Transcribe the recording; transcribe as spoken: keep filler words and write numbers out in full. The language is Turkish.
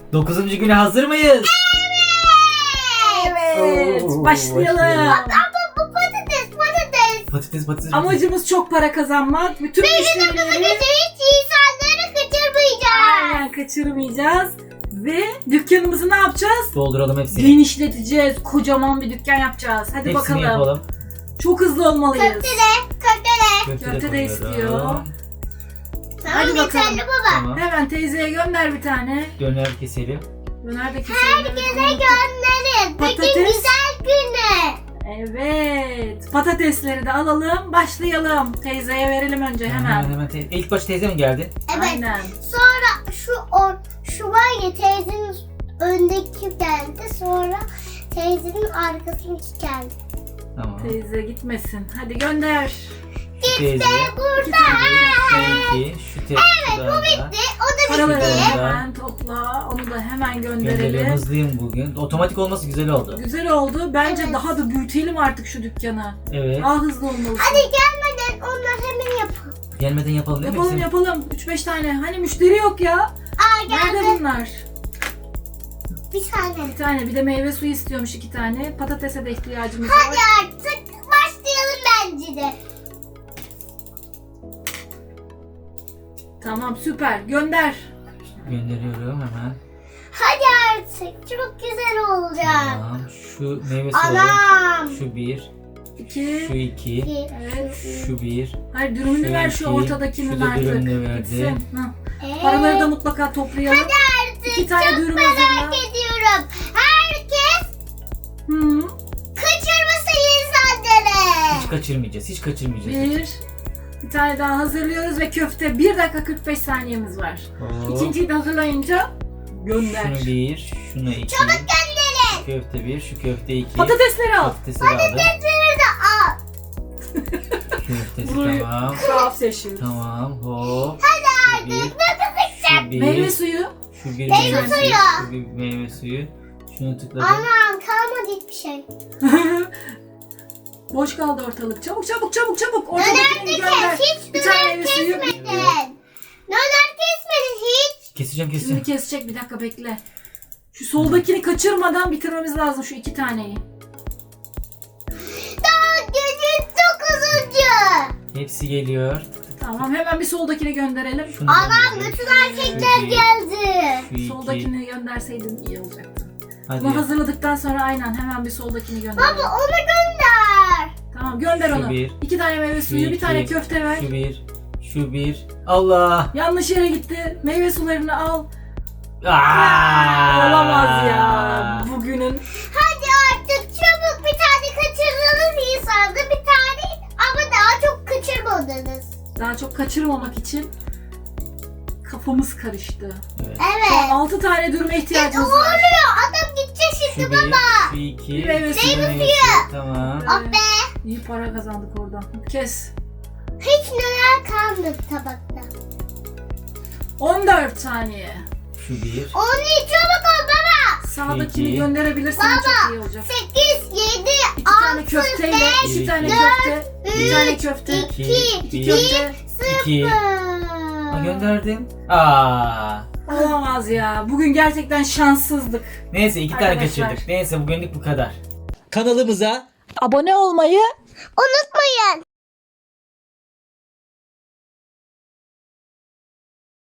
Dokuzuncu güne hazır mıyız? Evet. Oo, Başlayalım. başlayalım. Ama bu patates patates. Patates patates. Amacımız çok para kazanmak. Bütün müşterileri Hiç insanları kaçırmayacağız. aynen kaçırmayacağız. Ve dükkanımızı ne yapacağız? Dolduralım hepsini. Genişleteceğiz. Kocaman bir dükkan yapacağız. Hadi Hepsini bakalım. yapalım. Çok hızlı olmalıyız. Köfte de köfte de. Köfte, Köfte de koyuyorum. istiyor. Tamam Hadi bakalım. yeterli baba. Tamam. Hemen teyzeye gönder bir tane. Döner keselim. Döner de keselim. Herkese gönderin. Bugün Patates. güzel günü. Evet. Patatesleri de alalım. Başlayalım. Teyzeye verelim önce hemen. Hemen hemen. Te- İlk baş teyze mi geldi? Evet. Aynen. Sonra şu or, şu var ya teyzenin öndeki geldi. Sonra teyzenin arkasındaki geldi. Tamam. Teyze gitmesin. Hadi gönder. Şu teyze. Burada. Peki. Şu teyze. Evet bu bitti. O da Paraları bitti. hemen topla. Onu da hemen Gönderiyorum. gönderelim. Hızlıyım bugün. Otomatik olması güzel oldu. Güzel oldu. Bence Evet. daha da büyütelim artık şu dükkanı. Evet. Daha hızlı olmalısın. Hadi gelmeden onlar hemen yapın. Gelmeden yapalım değil mi? Yapalım hepsini? yapalım. üç beş tane. Hani müşteri yok ya. Aa Nerede geldi. bunlar? Bir saniye. Bir tane. Bir de meyve suyu istiyormuş iki tane. Patatese de ihtiyacımız Hadi var. artık başlayalım bence de. Tamam süper. Gönder. Gönderiyorum hemen. Hadi artık çok güzel olacak. Tamam. Şu meyve suyu. Anam. Şu bir. İki. Şu iki. İki. Evet. Şu bir. Hayır dürümünü Şu ver şu iki, ortadakinin şu da artık. dürümünü verdi. Gitsin. Hı. Ee, Paraları da mutlaka toplayalım. Hadi artık İki tane çok dürüm merak hazırla. ediyorum. Herkes Hı. kaçırmasın insanları. Hiç kaçırmayacağız. Hiç kaçırmayacağız. Bir. Bir tane daha hazırlıyoruz ve köfte. bir dakika kırk beş saniyemiz var. Hop. İkinciyi de hazırlayınca gönder. Şunu bir. Şunu iki. Çabuk gönderin. Şu köfte bir. Şu köfte iki. Patatesleri al. Patatesi de aldım. Patatesleri de al. Köftesi Burayı- tamam. Tuhaf seçiyoruz. Tamam. Hop. Şu bir. Şu bir. Meyve suyu. Şu bir Meyve meyve suyu. suyu. Şu bir meyve suyu. Şunu tıkladım. Anam kalmadı hiçbir şey. Boş kaldı ortalık. Çabuk çabuk çabuk çabuk. Döner Ortadakini de gönder. kes. Hiç Bir tane döner meyve suyu. kesmedin. Döner kesmedin hiç. Keseceğim Şimdi keseceğim. kesecek bir dakika bekle. Şu soldakini kaçırmadan bitirmemiz lazım şu iki taneyi. Daha günün dokuzuncu. Hepsi geliyor. Tamam hemen bir soldakini gönderelim. Şunu Anam gönderelim. bütün erkekler Şu bir. geldi. Şu iki. Soldakini gönderseydin iyi olacaktı. Hadi. Bunu hazırladıktan sonra aynen hemen bir soldakini gönder. Baba onu gönder. Tamam gönder Şu onu. bir. İki tane meyve Şu suyu, bir iki. tane köfte ver. Şu bir. Şu bir. Allah. Yanlış yere gitti. Meyve sularını al. Aa! Olamaz ya. Bugünün Hadi artık çabuk bir tane kaçırdınız insandı. Bir tane ama daha çok kaçırmadınız. daha çok kaçırmamak için kafamız karıştı. Evet. Evet. altı tane dürüme Ne ihtiyacımız var. oluyor? Adam gidecek Şu şimdi bir. baba. Şu iki. Bir meyve şu suyu. meyve suyu. Tamam. Ah be. İyi para kazandık oradan. Kes. Hiç neler kalmadı tabakta. on dört saniye. Şu bir. Onu çabuk ol baba. Sağdakini İki. gönderebilirsen Baba. çok iyi olacak. sekiz, yedi, İki tane altı, köfteyle, beş, iki tane dört, köfte, bir tane üç, köfte, iki, İki, iki bir, köfte. iki. sıfır. Aa, gönderdim. Aa. Olamaz ya. Bugün gerçekten şanssızdık. Neyse iki tane Arkadaşlar. kaçırdık. Neyse bugünlük bu kadar. Kanalımıza Abone olmayı Unutmayın.